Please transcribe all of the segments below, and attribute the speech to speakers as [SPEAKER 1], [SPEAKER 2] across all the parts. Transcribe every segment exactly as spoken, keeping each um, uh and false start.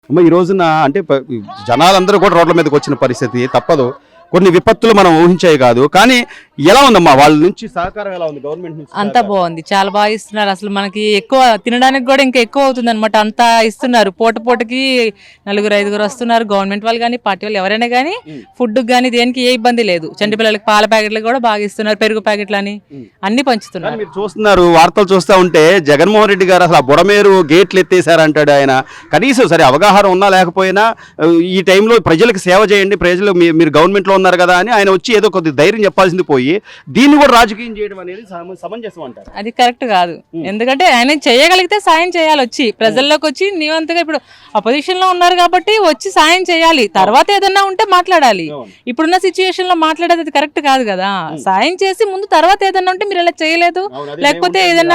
[SPEAKER 1] అమ్మ ఈ రోజున అంటే ప- జనాలందరూ కూడా రోడ్ల మీదకి వచ్చిన పరిస్థితి తప్పదు. కొన్ని విపత్తులు మనం ఊహించాయి కాదు. కానీ ఎలా ఉందమ్మా వాళ్ళ నుంచి సహకారం ఎలా ఉంది గవర్నమెంట్ నుంచి?
[SPEAKER 2] అంతా బాగుంది, చాలా బాగా ఇస్తున్నారు. అసలు మనకి ఎక్కువ తినడానికి కూడా ఇంకా ఎక్కువ అవుతుంది అనమాట. అంతా ఇస్తున్నారు. పూట పూటకి నలుగురు ఐదుగురు వస్తున్నారు. గవర్నమెంట్ వాళ్ళు కానీ పార్టీ వాళ్ళు ఎవరైనా కానీ ఫుడ్ కానీ దేనికి ఏ ఇబ్బంది లేదు. చంటి పిల్లలకి పాల ప్యాకెట్లు కూడా బాగా ఇస్తున్నారు, పెరుగు ప్యాకెట్లు అని అన్ని పంచుతున్నారు.
[SPEAKER 1] మీరు చూస్తున్నారు వార్తలు చూస్తూ ఉంటే జగన్మోహన్ రెడ్డి గారు అసలు ఆ బుడమేరు గేట్లు ఎత్తేసారంటాడు ఆయన. కనీసం సరే అవగాహన ఉన్నా లేకపోయినా ఈ టైంలో ప్రజలకు సేవ చేయండి, ప్రజలు మీ- మీరు గవర్నమెంట్లో ఉన్నారు కదా అని ఆయన వచ్చి ఏదో కొద్ది ధైర్యం చెప్పాల్సింది పోయి దీన్ని కూడా రాజకీయం చేయడం అనేది సమ- సమంజసం అంటారు.
[SPEAKER 2] అది కరెక్ట్ కాదు. ఎందుకంటే ఆయన చేయగలిగితే సాయం చేయాలి, వచ్చి ప్రజల్లోకి వచ్చి నీవంతగా ఇప్పుడు అపోజిషన్ లో ఉన్నారు కాబట్టి వచ్చి సాయం చేయాలి. తర్వాత ఏదన్నా ఉంటే మాట్లాడాలి. ఇప్పుడున్న సిచ్యుయేషన్ లో మాట్లాడేది అది కరెక్ట్ కాదు కదా. సాయం చేసి ముందు తర్వాత ఏదన్నా ఉంటే మీరు ఇలా చేయలేదు లేకపోతే ఏదన్నా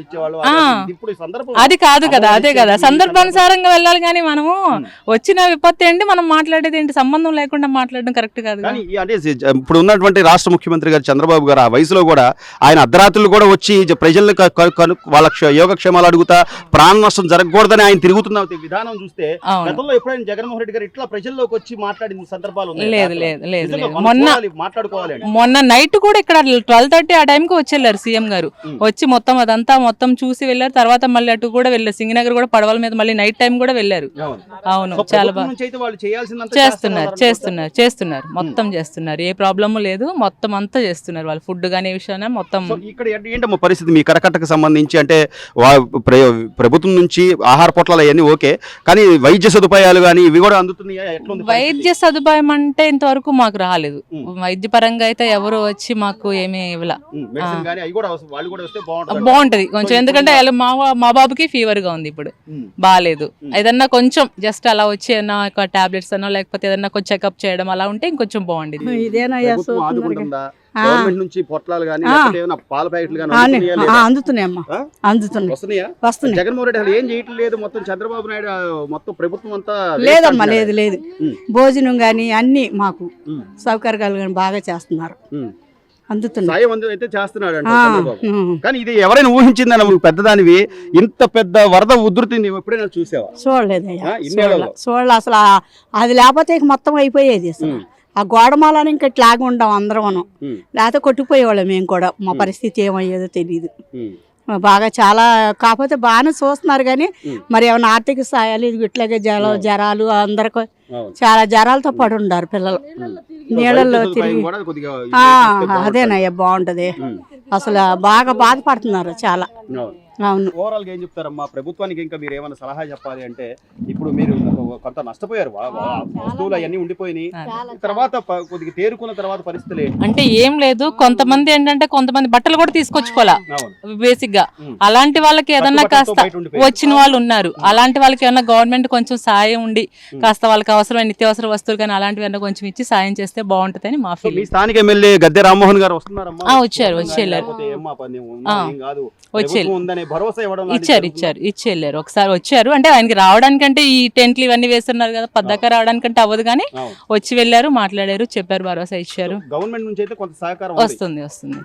[SPEAKER 2] అది కాదు కదా. అదే కదా సందర్భానుసారంగా వెళ్ళాలి. కానీ మనము వచ్చిన విపత్తి ఏంటి మనం మాట్లాడేది ఏంటి సంబంధం లేకుండా మాట్లాడడం కరెక్ట్ కాదు.
[SPEAKER 1] కానీ ఈ అంటే ఇప్పుడు ఉన్నటువంటి రాష్ట్ర ముఖ్యమంత్రి గారు చంద్రబాబు గారు ఆ వయసులో కూడా ఆయన అర్ధరాత్రులు కూడా వచ్చి జ- ప్రజల్ని క- క- కను- వాళ్ళ క్ష- యోగక్షేమాలు అడుగుతా ప్రాణ నష్టం జరగకూడదని ఆయన తిరుగుతున్న విధానం చూస్తే
[SPEAKER 2] అవును.
[SPEAKER 1] గతంలో ఎప్పుడైనా జగన్మోహన్ రెడ్డి గారు ఇట్లా ప్రజల్లోకి వచ్చి మాట్లాడిన సందర్భాలు ఉన్నాయా?
[SPEAKER 2] లేదు లేదు లేదు
[SPEAKER 1] నిజంగా
[SPEAKER 2] లేదు
[SPEAKER 1] మనం
[SPEAKER 2] మొన్న
[SPEAKER 1] చూడాలి, మాట్లాడుకోవాలి అని.
[SPEAKER 2] మొన్న నైట్ కూడా ఇక్కడ ట్వెల్వ్ థర్టీ ఆ టైంకి వచ్చేళ్ళారు సీఎం గారు. వచ్చి మొత్తం అదంతా మొత్తం చూసి వెళ్ళారు. తర్వాత మళ్ళీ అటు కూడా వెళ్ళారు, సింగనగర్ కూడా పడవల మీద మళ్ళీ నైట్ టైం కూడా వెళ్ళారు.
[SPEAKER 1] అవును.
[SPEAKER 2] అవును,
[SPEAKER 1] సో
[SPEAKER 2] చాలా
[SPEAKER 1] ప్రభుత్వం
[SPEAKER 2] బాగా
[SPEAKER 1] నుంచి అయితే వాళ్ళు చేయాల్సిందంతా
[SPEAKER 2] చేస్తున్నారు
[SPEAKER 1] చేస్తున్నారు
[SPEAKER 2] చేస్తున్నారు చేస్తున్నారు మొత్తం చేస్తున్నారు. ఏ ప్రాబ్లము లేదు, మొత్తం అంతా చేస్తున్నారు వాళ్ళు. ఫుడ్ కానీ విషయాన్ని మొత్తం
[SPEAKER 1] సో ఇక్కడ ఏంటి- ఏంటమ్మా పరిస్థితి మీ కరకట్టకు సంబంధించి? అంటే వా- ప్ర- ప్రభుత్వం నుంచి ఆహార పొట్లాలు అవన్నీ ఓకే, కానీ వైద్య సదుపాయాలు కానీ ఇవి కూడా అందుతున్నాయా? ఎట్లుంది పరిస్థితి?
[SPEAKER 2] వైద్య సదుపాయం అంటే ఇంతవరకు మాకు రాలేదు.
[SPEAKER 1] ఉమ్.
[SPEAKER 2] వైద్య పరంగా అయితే ఎవరు వచ్చి మాకు ఏమీ ఇవ్వలా.
[SPEAKER 1] ఉమ్, మెడిసిన్ కానీ అవి కూడా అవసరం, వాళ్ళు కూడా వస్తే బాగుంటుంది.
[SPEAKER 2] బాగుంటది కొంచెం, ఎందుకంటే వాళ్ళ మా మా బాబుకి ఫీవర్ గా ఉంది ఇప్పుడు,
[SPEAKER 1] ఉమ్.
[SPEAKER 2] బాగాలేదు. ఏదన్నా కొంచెం జస్ట్ అలా వచ్చి ఏదన్నా ఒక టాబ్లెట్స్ అనో లేకపోతే ఏదన్నా కొంచెం చెకప్ చేయడం అలా ఉంటే ఇంకొంచెం బాగుండేది.
[SPEAKER 3] ఇదేనయ్యా
[SPEAKER 1] ప్రభుత్వం
[SPEAKER 3] చూస్తున్నారు
[SPEAKER 1] ఆదుకుంటుందా? గవర్నమెంట్ నుంచి పొట్లాలు కానీ ఏమైనా పాల ప్యాకెట్లు కానీ
[SPEAKER 3] ఆ,
[SPEAKER 1] అందుతున్నాయా
[SPEAKER 3] ఆ,
[SPEAKER 1] లేదా?
[SPEAKER 3] అందుతున్నాయమ్మా
[SPEAKER 1] ఆ?
[SPEAKER 3] అందుతున్నాయి
[SPEAKER 1] వస్తున్నాయా?
[SPEAKER 3] వస్తున్నాయి.
[SPEAKER 1] జగన్మోహన్ రెడ్డి అసలు ఏం చేయటం లేదు, మొత్తం చంద్రబాబు నాయుడు ఆ, మొత్తం ప్రభుత్వం అంతా
[SPEAKER 3] లేదమ్మా, లేదు లేదు
[SPEAKER 1] ఉమ్.
[SPEAKER 3] భోజనం కానీ అన్ని మాకు
[SPEAKER 1] ఉమ్.
[SPEAKER 3] సౌకర్యాలు కానీ బాగా చేస్తున్నారు,
[SPEAKER 1] ఉమ్.
[SPEAKER 3] అందుతున్నాయి.
[SPEAKER 1] సాయం అందు అయితే చేస్తున్నాడు అంట
[SPEAKER 3] ఆ,
[SPEAKER 1] చంద్రబాబు.
[SPEAKER 3] ఉమ్.
[SPEAKER 1] కానీ ఇది ఎవరైనా ఊహించిందని నువ్వు పెద్దదానివి, ఇంత పెద్ద వరద ఉధృతి నువ్వు ఎప్పుడైనా చూసావా?
[SPEAKER 3] చూడలేదయ్యా,
[SPEAKER 1] ఆ, ఇన్నేళ్లలో?
[SPEAKER 3] చూడలే చూడలే అసలు. ఆ- అది లేకపోతే ఇక మొత్తం అయిపోయేది అసలు.
[SPEAKER 1] ఉమ్.
[SPEAKER 3] ఆ గోడమాలని ఇంకా ఇట్లాగా ఉండం అందరం మనం,
[SPEAKER 1] ఉమ్.
[SPEAKER 3] లేకపోతే కొట్టుకుపోయేవాళ్ళం మేము కూడా. మా పరిస్థితి ఏమయ్యేదో తెలియదు.
[SPEAKER 1] ఉమ్.
[SPEAKER 3] బాగా చాలా కాకపోతే బాగానే చూస్తున్నారు కానీ
[SPEAKER 1] ఉమ్.
[SPEAKER 3] మరి ఏమైనా ఆర్థిక సాయాలు ఇది ఇట్లాగే జల జరాలు అందరికి
[SPEAKER 1] అవును.
[SPEAKER 3] చాలా జరాలతో పడి ఉండారు పిల్లలు
[SPEAKER 1] ఉమ్.
[SPEAKER 3] నీళ్ళల్లో
[SPEAKER 1] వైద్య సదుపాయం
[SPEAKER 3] తిరిగి.
[SPEAKER 1] కూడా కొద్దిగా
[SPEAKER 3] ఆ,
[SPEAKER 1] ఇస్తే బాగుంటుంది.
[SPEAKER 3] అదేనయ్యా బాగుంటది.
[SPEAKER 1] ఉమ్.
[SPEAKER 3] అసలు బాగా బాధపడుతున్నారు చాలా.
[SPEAKER 1] అవును.
[SPEAKER 3] అవును.
[SPEAKER 1] ఓవరాల్ గా ఏం చెప్తారమ్మా ప్రభుత్వానికి? ఇంకా మీరు ఏమైనా సలహా చెప్పాలి అంటే, ఇప్పుడు మీరు కొంత నష్టపోయారు, వా- వా- వస్తువులు అవన్నీ ఉండిపోయినాయి, తర్వాత ప- కొద్దిగా తేరుకున్న తర్వాత పరిస్థితులు ఏంటి?
[SPEAKER 2] అంటే ఏం లేదు, కొంతమంది ఏంటంటే కొంతమంది బట్టలు కూడా తీసుకొచ్చుకోవాలా
[SPEAKER 1] అవును.
[SPEAKER 2] బేసిక్ గా.
[SPEAKER 1] ఉమ్.
[SPEAKER 2] అలాంటి వాళ్ళకి ఏదన్నా
[SPEAKER 1] కట్టుబట్టలతో
[SPEAKER 2] కాస్త
[SPEAKER 1] బయట ఉండిపోయారు.
[SPEAKER 2] వచ్చిన వాళ్ళు ఉన్నారు. అలాంటి వాళ్ళకి ఏమన్నా గవర్నమెంట్ కొంచెం సాయం ఉండి కాస్త వాళ్ళకి అవసరమైన నిత్యావసర వస్తువులు కానీ అలాంటివి ఏమన్నా కొంచెం ఇచ్చి సాయం చేస్తే బాగుంటుందని మా
[SPEAKER 1] సో మీ
[SPEAKER 2] ఫీలింగ్.
[SPEAKER 1] స్థానిక ఎమ్మెల్యే గద్దె రామ్మోహన్ గారు వస్తున్నారమ్మా?
[SPEAKER 2] ఆ, వచ్చారు, వచ్చి వెళ్ళారు.
[SPEAKER 1] లేకపోతే ఏమ్మా పని ఉందా?
[SPEAKER 2] ఆ.
[SPEAKER 1] ఏం కాదు,
[SPEAKER 2] వచ్చి
[SPEAKER 1] ప్రభుత్వం ఉందనే భరోసా ఇవ్వడం లాంటిది
[SPEAKER 2] ఇచ్చారు
[SPEAKER 1] జరుగుతుందా?
[SPEAKER 2] ఇచ్చారు ఇచ్చి వెళ్ళారు. ఒకసారి వచ్చారు అంటే ఆయనకి రావడానికంటే ఈ టెంట్లు ఇవన్నీ వేస్తున్నారు కదా, పద్దాక రావడానికంటే అవ్వదు కానీ
[SPEAKER 1] అవును.
[SPEAKER 2] వచ్చి వెళ్ళారు, మాట్లాడారు, చెప్పారు, భరోసా ఇచ్చారు.
[SPEAKER 1] గవర్నమెంట్ నుంచి అయితే కొంత సహకారం ఉంది.
[SPEAKER 2] వస్తుంది వస్తుంది